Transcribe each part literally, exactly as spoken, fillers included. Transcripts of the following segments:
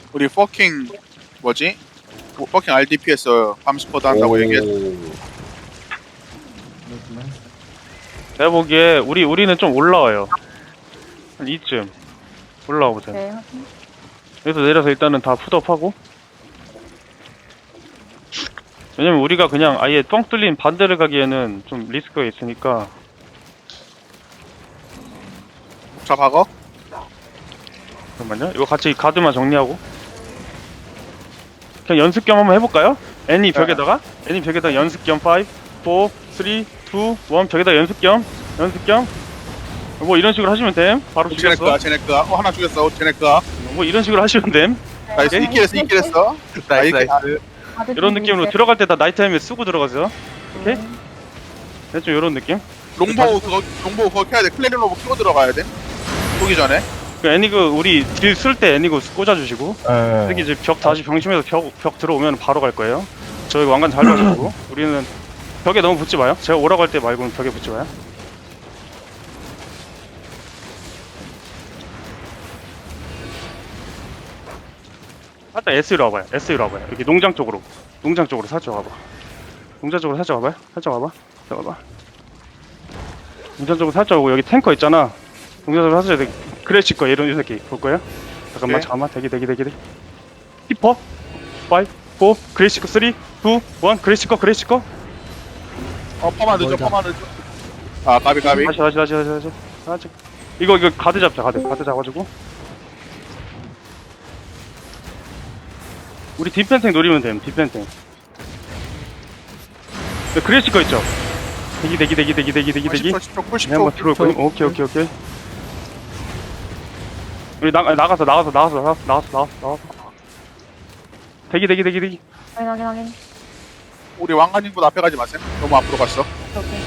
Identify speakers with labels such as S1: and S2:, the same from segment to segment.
S1: 우리 퍼킹 뭐지? 뭐, 퍼킹 알디피에서 밤스쿼드 한다고 얘기했.
S2: 내가 보기에 우리 우리는 좀 올라와요. 한 이쯤 올라와 보자.
S3: 네.
S2: 여기서 내려서 일단은 다 푸드업하고. 왜냐면 우리가 그냥 아예 뻥 뚫린 반대를 가기에는 좀 리스크가 있으니까.
S1: 자 박어.
S2: 잠깐만요. 이거 같이 가드만 정리하고. 그냥 연습 겸 한번 해볼까요? 애니 벽에다가 애니 벽에다가 연습 겸 오, 사, 삼, 이, 일 벽에다가 연습 겸 연습 겸 뭐 이런 식으로 하시면 됨. 바로
S1: 쟤네
S2: 죽였어.
S1: 거야, 쟤네 거야. 어 하나 죽였어. 쟤네 거야.
S2: 뭐 이런 식으로 하시면 됨.
S1: 나이스.
S2: 오케이.
S1: 이킬 했어, 이킬 했어.
S4: 나이스,
S1: 아, 이킬-
S4: 나이스.
S2: 이런 느낌으로 들어갈 때 다 나이트 헬멧 쓰고 들어가세요. 오케이?
S3: 네.
S2: 대충 이런 느낌.
S1: 롱보 그거 롱보 그거 켜야 돼. 클레린 로브 켜고 들어가야 돼. 쏘기 전에.
S2: 그 애니그 우리 딜 쓸 때 애니그 꽂아주시고
S5: 예.
S2: 여기 이제 벽 다시 병심해서 벽, 벽 들어오면 바로 갈 거예요. 저희 왕관 잘 봐주고 우리는 벽에 너무 붙지 마요. 제가 오라고 할 때 말고는 벽에 붙지 마요. 살짝 S로 와봐요. S로 와봐요. 여기 농장 쪽으로. 농장 쪽으로 살짝 와봐. 농장 쪽으로 살짝 와봐요. 살짝 와봐. 살짝 와봐. 농장 쪽으로 살짝 오고 여기 탱커 있잖아. 농장 쪽으로 살짝 여기 그래치 거야. 이런 이 새끼 볼 거예요? 잠깐만
S1: 네.
S2: 잠깐만 대기 대기 대기 대기. 히퍼 오, 사, 그레이시커 삼, 이, 일 그레이시커 그레이시커.
S1: 어 퍼만 늦어, 퍼만 늦어. 아 가비 가비.
S2: 다시 다시 다시 다시 다시 다시. 이거 이거 가드 잡자 가드 가드 잡아주고. 우리 뒷펜탱 노리면 됨. 뒷펜탱. 그레이시 거 있죠? 대기 대기 대기 대기 대기 대기 대기.
S1: 십 초, 십 초,
S2: 네, 한번
S1: 십
S2: 들어올
S1: 초.
S2: 거니? 오케이 오케이 오케이. 우리 나 나가서 나가서 나가서 나가서 나가서 나가서 나가서. 대기 대기 대기 대기.
S3: 확인 확인 확인.
S1: 우리 왕관님보다 앞에 가지 마세요. 너무 앞으로 갔어.
S3: 오케이.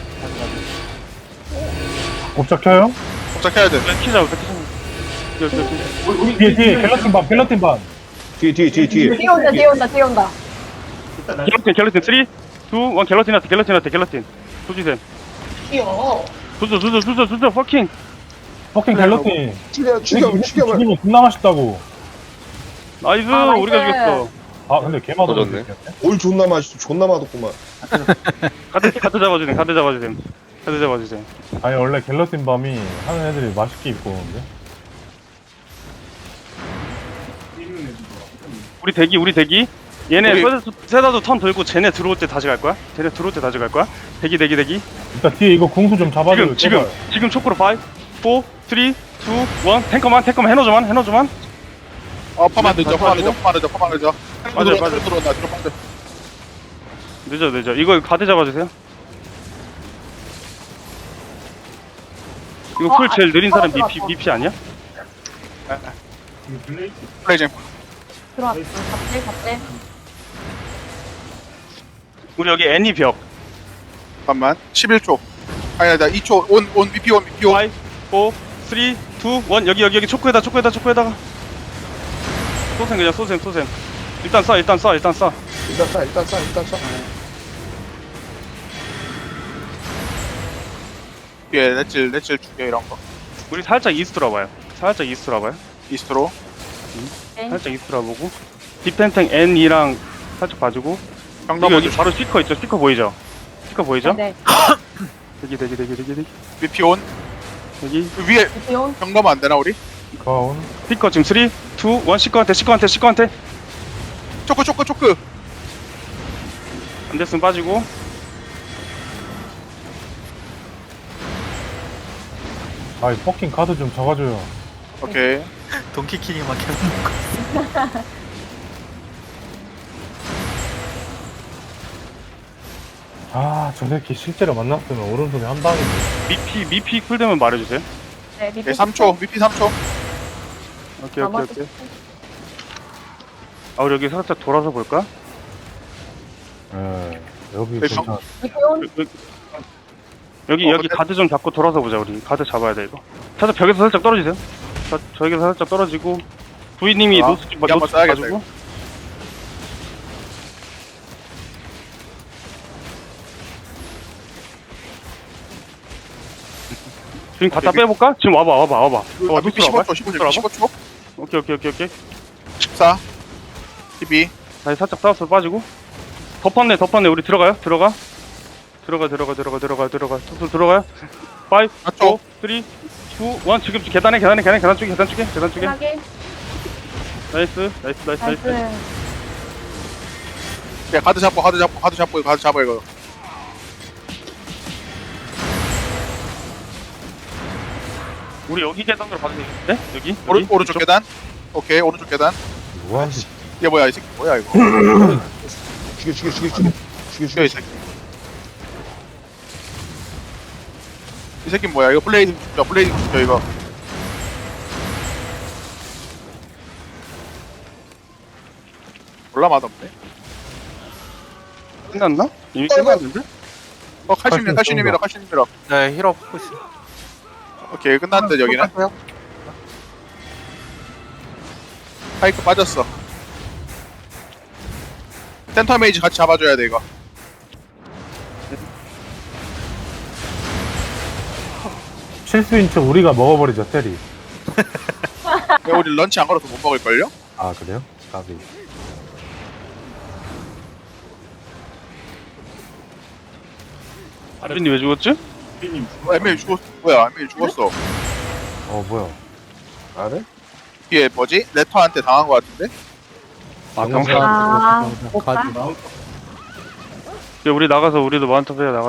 S5: 옵작 켜요?
S1: 도착해야 돼.
S2: 키자 키자. 여기 여기.
S5: 뒤에 뒤에 갤러틴 반 갤러틴 반
S4: 뒤에, 뒤에, 뒤에, 뒤에.
S3: 뒤에 온다 뒤에 온다 뒤에 온다.
S2: 갤러틴 갤러틴 삼, 이, 일 갤러틴 한테 갤러틴 한테 갤러틴. 조지센.
S3: 귀여워.
S2: 조져 조져 조져 조져 퍼킹.
S5: 퍼킹 갤러틴
S4: 죽여, 죽여, 죽여버려.
S5: 죽이면 존나 맛있다고.
S2: 나이스
S3: 아, 나이스.
S2: 우리가 죽였어.
S5: 아 근데 개 맛없네.
S4: 터졌네. 올 존나 맛있어. 존나 맛없구만.
S2: 카드 카드 잡아주세요. 카드 잡아주세요. 카드 잡아주세요.
S5: 아니 원래 갤러틴 밤이 하는 애들이 맛있게 입고 오는데.
S2: 우리 대기 우리 대기. 얘네
S1: 우리-
S2: 세다도, 세다도 턴 돌고 쟤네 들어올 때 다시 갈 거야. 쟤네 들어올 때 다시 갈 거야. 대기 대기 대기.
S5: 일단 뒤에 이거 궁수 좀 잡아줘요.
S2: 지금 지금 지금 초크로 오, 사, 삼, 이, 일 탱커만 탱커만 해노즈만 해노즈만.
S1: 어 퍼만 늦어, 퍼만
S2: 가지고.
S1: 늦어, 퍼만 늦어, 퍼만 늦어.
S2: 맞아요,
S1: 들어온다,
S2: 맞아요.
S1: 들어온다, 들어온다.
S2: 늦어 늦어. 이거 가드 잡아주세요. 이거
S3: 어,
S2: 풀 제일
S3: 아,
S2: 느린 사람
S3: 들어왔어,
S2: 미피
S3: 들어왔어.
S2: 미피 아니야?
S1: 플레이잼.
S3: 들어왔어. 갑질 갑질.
S2: 우리 여기 애니 벽.
S1: 잠깐만. 십일 초. 아니야, 나 이 초. 온, 온, 비피 온, 비피 온.
S2: 오, 사, 삼, 이, 일 여기 여기 여기 초크에다 초크에다 초크에다가. 쏘셈 그냥 쏘셈 쏘셈. 일단 쏴 일단 쏴 일단 쏴.
S4: 일단 쏴, 일단 쏴, 일단 쏴.
S1: 예, 넷질, 넷질 죽여 이런 거.
S2: 우리 살짝 이스트로 와봐요. 살짝 이스트로 와봐요.
S1: 이스트로.
S3: 네.
S2: 살짝 이스트로 와보고. 디펜탱 N이랑 살짝 봐주고.
S1: 형
S2: 여기,
S1: 넘어.
S2: 여기 바로 스피커 있죠? 스피커 보이죠? 스피커 보이죠?
S3: 네.
S2: 대기 대기 대기 대기 대기.
S1: 비피 온.
S2: 여기
S1: 위에
S3: 뒤에 온.
S1: 형 넘어 안 되나 우리?
S5: 가온.
S2: 스피커 지금 삼, 이, 일 시커한테 시커한테 시커한테.
S1: 초크, 초크, 초크.
S2: 안 됐으면 빠지고.
S5: 아이 퍼킹 카드 좀 잡아줘요.
S1: 오케이.
S6: 돈키키니만 계속 먹고
S5: 아저 새끼 실제로 만났으면 오른손에 한 방인데.
S2: 미피 미피 쿨되면 말해주세요.
S3: 네. 밑에
S1: 예, 삼 초. 비피 삼 초.
S2: 오케이 오케이
S3: 나머지
S2: 오케이. 아 우리 여기 살짝 돌아서 볼까?
S5: 예. 여기
S1: 네,
S5: 괜찮아.
S3: 밑에 온.
S2: 여기 여기,
S1: 어,
S2: 여기
S1: 근데-
S2: 가드 좀 잡고 돌아서 보자. 우리 가드 잡아야 돼 이거. 살짝 벽에서 살짝 떨어지세요. 자, 저에게서 살짝 떨어지고 부이님이
S1: 아,
S2: 노스
S1: 이거 한번
S2: 노스
S1: 써야겠다,
S2: 가지고. 지금 갖다 빼볼까? 지금 와봐 와봐 와봐. 와봐
S1: 비피
S2: 노스로 와봐.
S1: 십오 초, 십오 초,
S2: 노스로 와봐.
S1: 십오 초.
S2: 오케이 오케이 오케이 오케이.
S1: 십사, 십이,
S2: 다시 살짝 싸워서 빠지고. 덮었네, 덮었네. 우리 들어가요? 들어가. 들어가, 들어가, 들어가, 들어가, 들어가. 툭툭 들어가요. 오,
S1: 맞죠?
S2: 사, 삼, 이, 일. 지금 계단에, 계단에, 계단에, 계단 쪽에, 계단 쪽에, 계단 쪽에.
S3: 확인.
S2: 나이스, 나이스, 나이스, 나이스.
S3: 나이스.
S1: 야, 가드 잡고, 가드 잡고, 가드 잡고, 이거 가드 잡아, 이거.
S2: 우리 여기 계단으로 가도 되겠는데? 여기?
S1: 오른,
S2: 여기?
S1: 오른쪽
S2: 이쪽?
S1: 계단. 오케이, 오른쪽 계단.
S5: 와,
S1: 얘 뭐야, 이 새끼 뭐야, 이거.
S4: 죽여 죽여 죽여 죽여 죽여
S1: 죽여,
S4: 죽여
S1: 이 새끼. 이 새끼 뭐야, 이거 블레이드 죽여, 블레이드 죽여, 이거. 몰라, 맛없네.
S2: 끝났나? 이미 끝났는데?
S1: 어, 칼슘님, 칼슘님이라, 칼슘님이라.
S6: 네 힐업 하고 있어.
S1: 오케이, 끝났는데, 여기는. 파이크 빠졌어. 센터 메이지 같이 잡아줘야 돼, 이거.
S5: 실수인 척 우리가 먹어버리죠, 테리.
S1: 왜 우리 런치 안 걸어서 못 먹을걸요?
S5: 아, 그래요? 까비.
S2: 아르님 왜 죽었지?
S1: 어, 엠메이 죽었어. 뭐야, 엠메이 죽었어.
S5: 어, 뭐야.
S4: 알아?
S1: 뒤에 뭐지? 레터한테 당한 거 같은데?
S2: 아, 병사.
S3: 아, 못 가.
S2: 우리 나가서 우리도 마운트 해야 나가.